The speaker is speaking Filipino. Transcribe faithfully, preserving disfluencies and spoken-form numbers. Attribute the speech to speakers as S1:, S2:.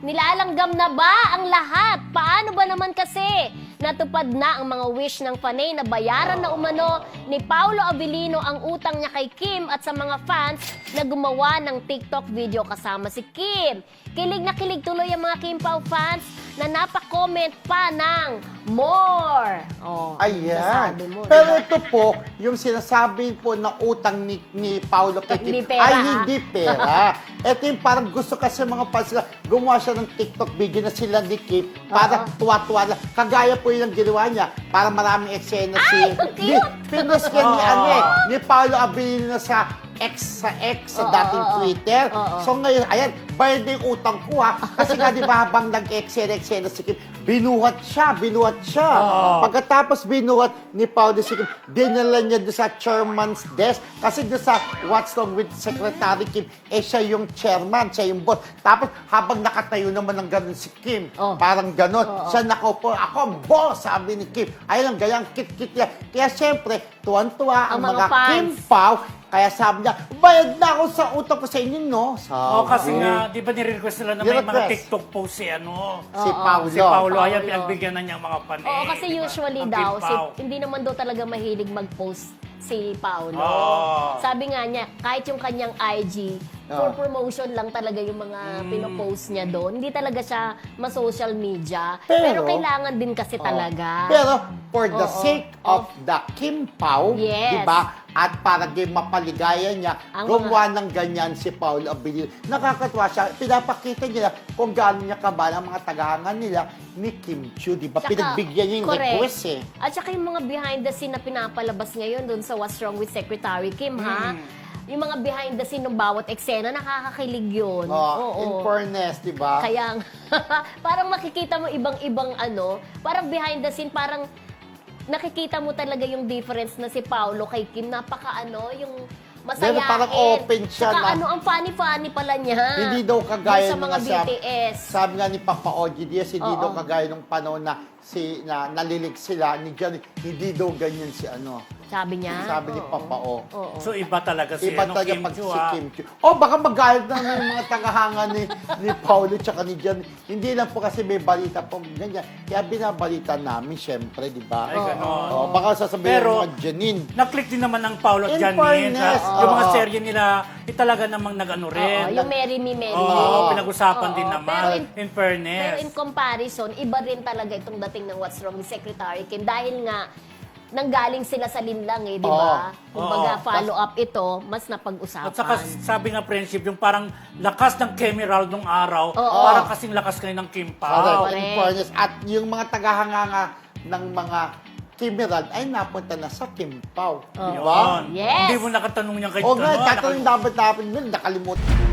S1: Nilalanggam na ba ang lahat? Paano ba naman kasi natupad na ang mga wish ng fanay na bayaran na umano ni Paolo Abilino ang utang niya kay Kim at sa mga fans na gumawa ng TikTok video kasama si Kim? Kilig na kilig tuloy ang mga Kim Pao fans na napakomment pa ng more. Oh,
S2: Ayan.
S1: sabi mo,
S2: Pero
S1: diba?
S2: ito po, yung sinasabi po na utang ni, ni Paolo kay Kim,
S1: Hindi pera,
S2: ay
S1: ha?
S2: hindi pera. Ito yung parang gusto kasi mga fans sila, gumawa siya ng TikTok video na sila ni Kim para
S1: Oo.
S2: tuwa-tuwa lang. Kagaya po yung ginawa niya para maraming eksena si...
S1: Ay, ang cute!
S2: Di, pinost niya ni,
S3: Oo.
S2: ano eh, ni Paolo Abilino sa X sa X sa
S1: Oo,
S2: dating
S1: oo,
S2: Twitter.
S1: oo.
S2: So ngayon, ayan, bayad na yung utang ko ha. Kasi nga di ba habang nag-eksena-eksena si Kim, binuhat siya, binuhat siya.
S3: Oo.
S2: Pagkatapos binuhat ni Paolo si Kim, dinala niya doon sa chairman's desk. Kasi doon sa What's Wrong with Secretary Kim, eh siya yung chairman, siya yung boss. Tapos habang nakatayo naman ng ganun si Kim,
S1: Oh.
S2: parang ganun,
S1: Oo.
S2: siya nakaupo, ako ang boss, sabi ni Kim. Ayun ang gayang kit-kit niya. Kaya siyempre, tuwan-tuwa ang,
S1: Ang mga
S2: mga
S1: fans.
S2: Kim Pao. Kaya sabi niya, bayad na ako sa utang ko sa inyo, no? Sabi.
S3: Oh, kasi nga, di ba nire-request nila na may mga
S2: Ni-request.
S3: TikTok post si ano?
S2: Si
S1: Oo.
S2: Paolo.
S3: Si Paolo, ayan,
S1: Paolo.
S3: pinagbigyan na niya ang mga panay.
S1: Oo, kasi
S3: di ba?
S1: usually
S3: Ang
S1: daw,
S3: Kim
S1: si,
S3: Pao.
S1: hindi naman daw talaga mahilig mag-post si Paolo.
S3: Oo.
S1: Sabi nga niya, kahit yung kanyang I G, for
S2: Oo.
S1: promotion lang talaga yung mga pinopost niya doon. Hindi talaga siya ma-social media.
S2: Pero-
S1: Pero, kailangan din kasi talaga.
S2: Pero for the
S1: Oo.
S2: sake of the Kim Pao,
S1: Yes.
S2: di ba? At para di mapaligaya niya,
S1: Ang
S2: gumawa ng ganyan si Paolo Abilino. Nakakatuwa siya. Pinapakita niya kung gaano niya kabal ang mga tagahangan nila ni Kim Chiu, di ba?
S1: Tsaka,
S2: Pinagbigyan niya yung
S1: correct.
S2: request eh.
S1: At saka yung mga behind the scene na pinapalabas ngayon doon sa What's Wrong with Secretary Kim, ha?
S2: Hmm.
S1: Yung mga behind the scene ng bawat eksena, nakakakilig yun.
S2: Oh, in fairness, di ba?
S1: Kaya, parang makikita mo ibang-ibang ano, parang behind the scene, parang nakikita mo talaga yung difference na si Paolo kay Kim. Napaka ano, yung masayahin.
S2: Pero parang open siya
S1: Saka
S2: na-
S1: ano, ang funny-funny pala niya.
S2: Hindi daw kagaya
S1: Yung sa mga
S2: nung
S1: B
S2: nasa-
S1: T S.
S2: Sabi nga ni Papa O G Diaz, hindi
S1: Oo.
S2: daw kagaya nung panahon na si na nalilig sila ni Johnny, hindi daw ganyan si ano.
S1: Sabi niya.
S2: Sabi ni
S1: Oo.
S2: Papa O.
S1: Oo.
S3: So iba talaga si
S2: Iba
S3: ano,
S2: talaga
S3: Kim
S2: pag
S3: Chiu,
S2: si
S3: ah.
S2: Kim Chiu. Oh, baka magalit na ng mga tagahanga ni, ni Paolo tsaka ni John. Hindi lang po kasi may balita po ganyan. Kaya binabalita namin, syempre, di ba?
S3: Ay, ganon.
S2: Oh, baka sasabihin
S3: Pero-
S2: ng mga Janine.
S3: Na-click din naman ang Paolo at
S2: In
S3: Janine.
S2: fairness,
S3: ha? Yung mga
S2: oo.
S3: serye nila, eh, talaga namang nag-ano rin.
S1: Oo, yung Marry Me, Marry
S3: Oo,
S1: Me.
S3: pinag-usapan
S1: Oo,
S3: din
S1: pero
S3: naman.
S1: in-
S3: In, fairness.
S1: Pero in comparison, iba rin talaga itong dating ng What's Wrong with Secretary Kim dahil nga nanggaling sila sa linlang eh, di ba?
S3: Oo.
S1: Kumbaga,
S3: Oo.
S1: follow up ito, mas napag-usapan.
S3: At saka sabi nga friendship, yung parang lakas ng Kemeral nung araw,
S1: Oo.
S3: parang kasing lakas kayo ng Kim Pao.
S2: Correct.
S1: Correct.
S2: In fairness. At yung mga tagahanga nga ng mga Kimerald ay napunta na sa Kim Pao. Di ba?
S3: Yun.
S1: Yes.
S3: Hindi mo nakatanong niya kay
S2: O nga,
S3: ano,
S2: tatanong dapat natin nun, nakalimutan.